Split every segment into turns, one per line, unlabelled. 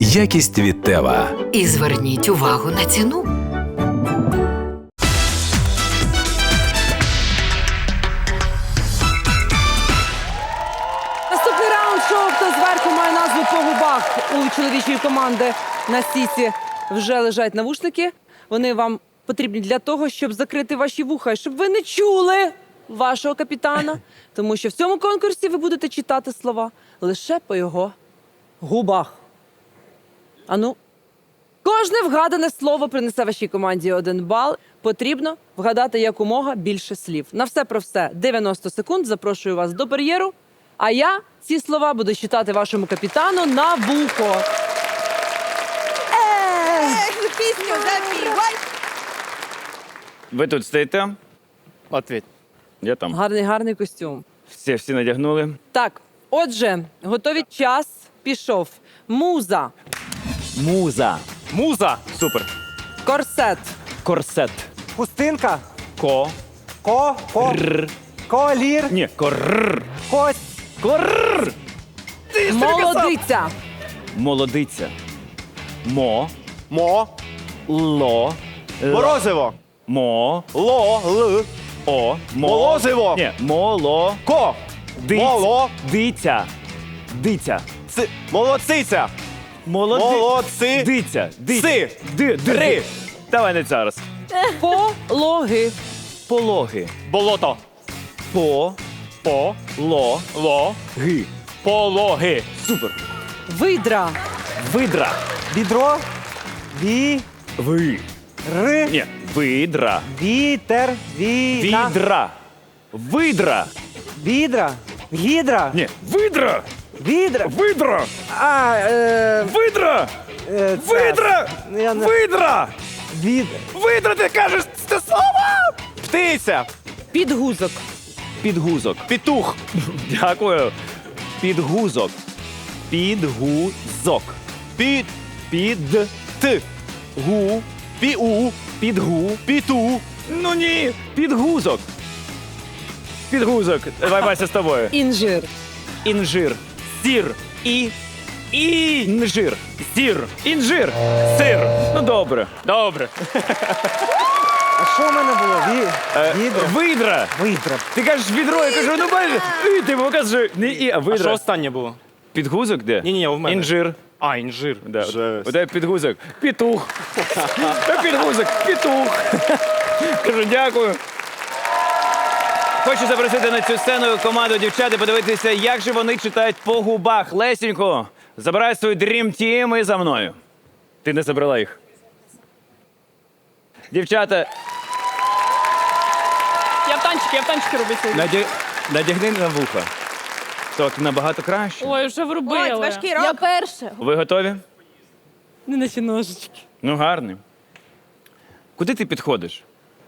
Якість від Тева.
І зверніть увагу на ціну.
Наступний раунд шоу «Хто зверху» має назву «По губах». У чоловічої команди на стійці вже лежать навушники. Вони вам потрібні для того, щоб закрити ваші вуха, щоб ви не чули вашого капітана. Тому що в цьому конкурсі ви будете читати слова лише по його губах. Ану, кожне вгадане слово принесе вашій команді 1 бал. Потрібно вгадати якомога більше слів. На все про все 90 секунд. Запрошую вас до бар'єру. А я ці слова буду читати вашому капітану на вухо.
Пісню запівай.
Ви тут стоїте?
Ответь.
Я там.
Гарний костюм.
Всі надягнули.
Так, отже, готові, час пішов. Муза,
Муза. Муза.
Супер.
корсет,
Корсет.
Хустинка,
Ко.
колір,
Ні, корр.
кость,
Корр.
молодиця,
Молодиця. Мо.
Мо.
Ло.
Морозиво.
Мо.
Ло. Л.
О.
Молозиво.
Ні, моло.
Ко. Моло.
Диця. Диця.
Молодциця. Молодці.
Диця.
Си.
Ри. Давай не зараз.
пологи,
Пологи.
Болото.
По.
По.
Ло.
Ло.
Ги.
Пологи.
Супер.
видра,
Видра.
відро,
Ви. Ні, видра.
вітер,
Відра. Видра.
відра, гідра,
Ні, видра.
відра,
Видра. Видра.
це-
Видра.
Я не-
Видра.
від,
Видра, ти кажеш це слово.
Птиця.
підгузок,
Підгузок.
Петух.
Дякую. Підгузок. Підгузок.
Під.
Під.
Т.
Гу.
Піу.
Підгу.
Піту.
Ну ні. Підгузок. Підгузок. Давай, Вася, з тобою.
інжир,
Інжир. Сір. Інжир. Сір. Інжир. Сир. Ну добре. Добре.
а що в мене було? Відра,
Видра.
видра,
Ти кажеш відро, я кажу, ну бачиш. І ти показуєш. Не і, а
А
видра.
що останнє було?
Підгузок де?
Ні, у мене.
Інжир.
А, інжир.
Да.
Жесть.
Оде підгузок. Петух. Та підгузок. Петух. Кажу, дякую. Хочу запросити на цю сцену команду дівчат і подивитися, як же вони читають по губах. Лесенько, забирай свою Dream Team і за мною. Ти не забрала їх. Дівчата,
Я в танчики роблю сьогодні.
надягни на вуха. Так, набагато краще.
Ой, вже врубили.
Ой, важкий рок.
Я перша.
Ви готові?
не наче ножички.
Ну, гарний. Куди ти підходиш?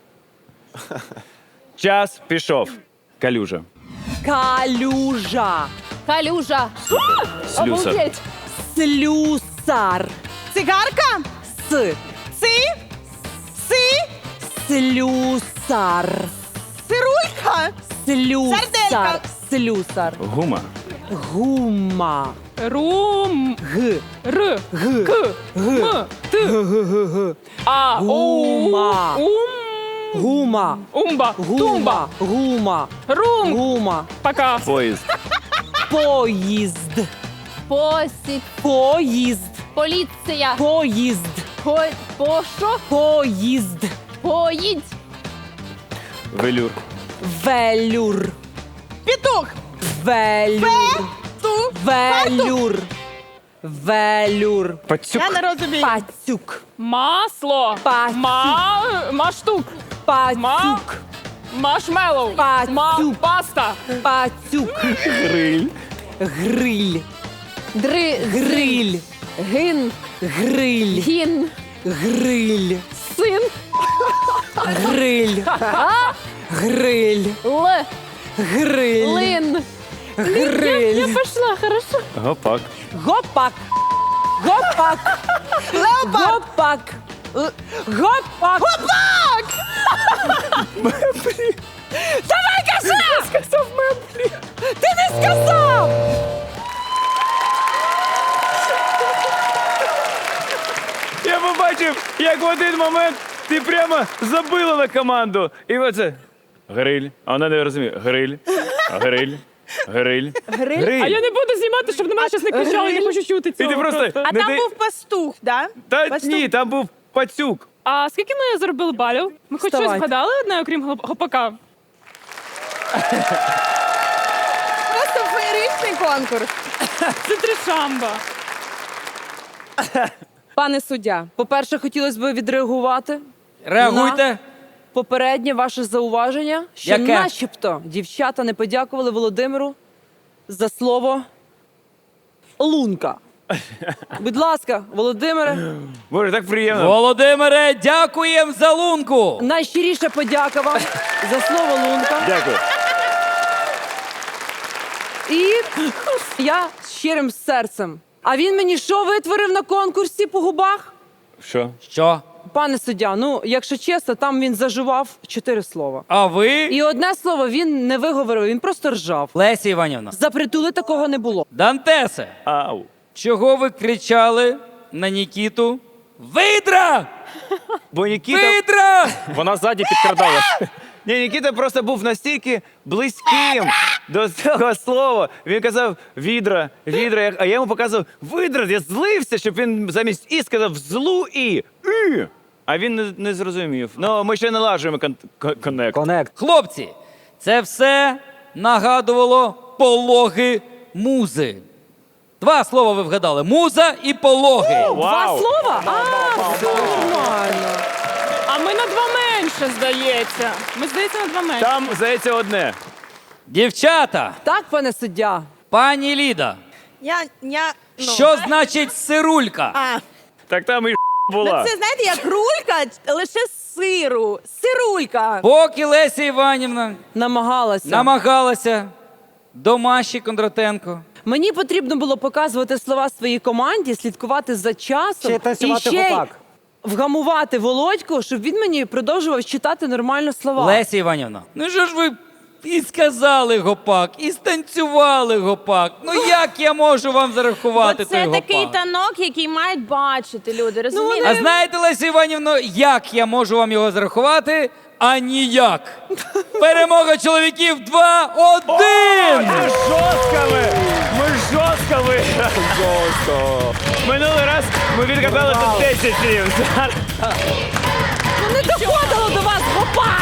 Час пішов. Калюжа.
Калюжа,
Калюжа.
Слюсар.
Обалдеть.
слюсар,
Цигарка?
с,
Си? Си?
слюсар,
Цирулька?
слюсар,
Сарделька.
слюсар,
Гума.
гума,
Рум.
г,
Р.
г,
К. М. Т. А.
Гума. гума,
Умба.
гума,
Тумба.
гума,
Рум.
гума,
Пока.
Поїзд.
поїзд,
Посіб.
поїзд,
Поліція.
поїзд,
По що?
поїзд,
Поїдь.
Велюр.
велюр,
Петух?
велюр,
Ту?
велюр, велюр,
Пацюк.
Я не розумію.
пацюк,
Масло.
Пацюк.
Маштук.
пацюк,
Машмеллоу.
Пацюк.
Паста.
пацюк,
Гриль.
гриль,
Гриль.
гриль,
Гин.
гриль,
Гін.
гриль,
Син.
гриль, гриль,
Л.
гриль,
Лин. Я
гриль,
пошла, хорошо.
Гопак.
гопак, гопак, гопак, гопак, гопак! Давай, кажи! Сказав меблі. Ти не сказав!
бачив, як в один момент ти прямо забила на команду. І оце гриль. А вона не розуміє. Гриль, гриль, гриль, гриль.
А я не буду знімати, щоб на мене щось не кричали, не хочу чути
І
цього.
ти просто...
А
не
там
дай-
був пастух, да?
Та
Пастух.
ні, там був пацюк.
А скільки ми заробили балів? Ми хоч щось
Вставайте.
вгадали одне, окрім гопака?
Просто феєричний конкурс.
Це тришамба.
Пане суддя, по-перше, хотілося б відреагувати
Реагуйте.
на попереднє ваше зауваження, що
Яке?
начебто дівчата не подякували Володимиру за слово лунка. Будь ласка, Володимире,
Боже, так приємно.
Володимире, дякуємо за лунку.
найщиріша подяка вам за слово лунка.
Дякую.
І я з щирим серцем. А він мені що витворив на конкурсі по губах?
Що?
Що?
Пане суддя, ну, якщо чесно, там він заживав 4 слова.
А ви?
І одне слово він не виговорив, він просто ржав.
Леся Іванівна.
За притули такого не було.
Дантесе,
Ау.
чого ви кричали на Нікіту? Видра!
Бо Нікіта...
Видра!
Вона ззаді підкрадалась.
Ні, Нікіта просто був настільки близьким до цього слова. Він казав відра, відра, а я йому показував видра. Я злився, щоб він замість і сказав злу і. А він не зрозумів. Ну, ми ще налажуємо коннект.
Конект.
Хлопці, це все нагадувало пологи музи. 2 слова ви вгадали. Муза і пологи.
Два слова? Все нормально.
А ми на 2 менше, здається. Ми, здається, на 2 менше.
Там, здається, одне.
Дівчата,
Так, пане суддя?
пані Ліда,
Ну.
що значить сирулька?
А,
Так там і була.
це, знаєте, як рулька, лише з сиру. Сирулька.
Поки Леся Іванівна
Намагалася.
намагалася до Маші Кондратенко.
Мені потрібно було показувати слова своїй команді, слідкувати за часом
Ще й
і
танцювати
ще й
гопак.
вгамувати Володьку, щоб він мені продовжував читати нормально слова.
Леся Іванівна, ну що ж ви і сказали гопак, і станцювали гопак. Ну як я можу вам зарахувати той
Це
гопак?
такий танок, який мають бачити люди, розумієте?
А знаєте, Леся Іванівно, як я можу вам його зарахувати? А ніяк. Перемога чоловіків 2-1!
Ми жорстко виграли. Жорстко. Минулий раз ми відгадали тут 10 слів. Зараз
Ну не доходило до вас, гопак!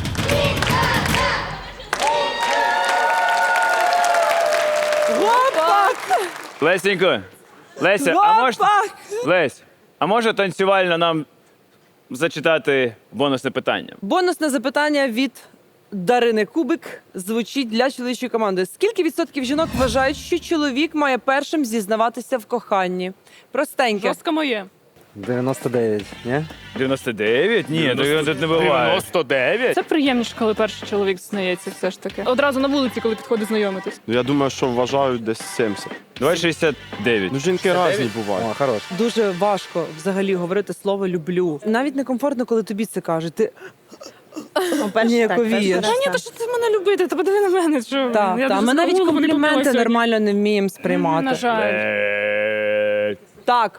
Гопак!
Лесенько, Леся, а може...
Гопак!
Лесь, а може танцювально нам зачитати бонусне питання?
Бонусне запитання від Дарини Кубик звучить для чоловічої команди. Скільки відсотків жінок вважають, що чоловік має першим зізнаватися в коханні? Простеньке.
Жорстко моє.
99, ні?
99? Ні, тут не буває.
99?
Це приємніше, коли перший чоловік зізнається все ж таки. Одразу на вулиці, коли підходить знайомитись.
Ну, я думаю, що вважають десь 70.
Давай 69.
Ну, жінки різні бувають.
О, хорош.
Дуже важко взагалі говорити слово люблю. Навіть некомфортно, коли тобі це кажуть. Ти ніяковієш.
Та ні, то що ти мене любити? Та подиви на мене, що
Так,
я
так.
дуже
Ми навіть
загуглила, не
компліменти
купила сьогодні.
нормально не вміємо
На
сприймати.
жаль.
Так,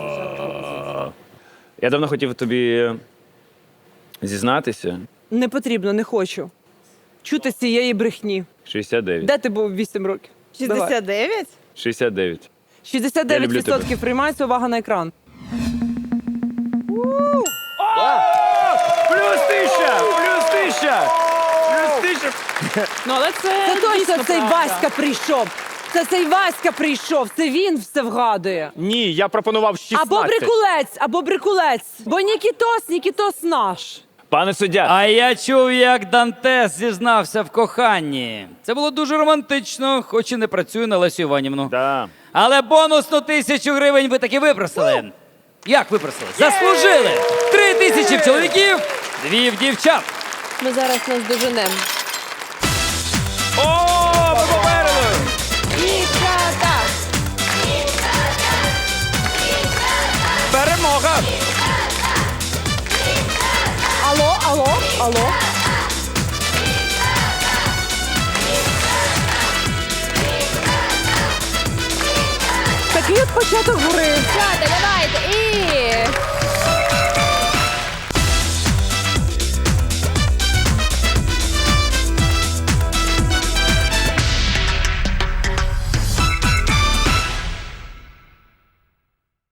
Я давно хотів тобі зізнатися.
не потрібно, не хочу. Чути цієї брехні.
69.
Де ти був 8 років? Давай.
69?
69. Я люблю тебе.
69% приймається, увага на екран.
Плюс 1000! Плюс 1000! Плюс 1000!
Ну, але це
Це точно
дійсно
цей
правда.
Васька прийшов. Це цей Васька прийшов. Це він все вгадує.
Ні, я пропонував 16.
Або брикулець. Бо Нікітос наш.
Пане суддя,
А я чув, як Дантес зізнався в коханні. Це було дуже романтично, хоч і не працюю на Лесю Іванівну.
да.
Але бонусну 1000 гривень ви таки випросили. Як випросили? Заслужили! 3000 в чоловіків, 2 в дівчат.
Ми зараз нас доженемо.
О, ми попереду!
Дівчата!
Перемога!
Алло. Такий от початок гри.
Дівчата, давай!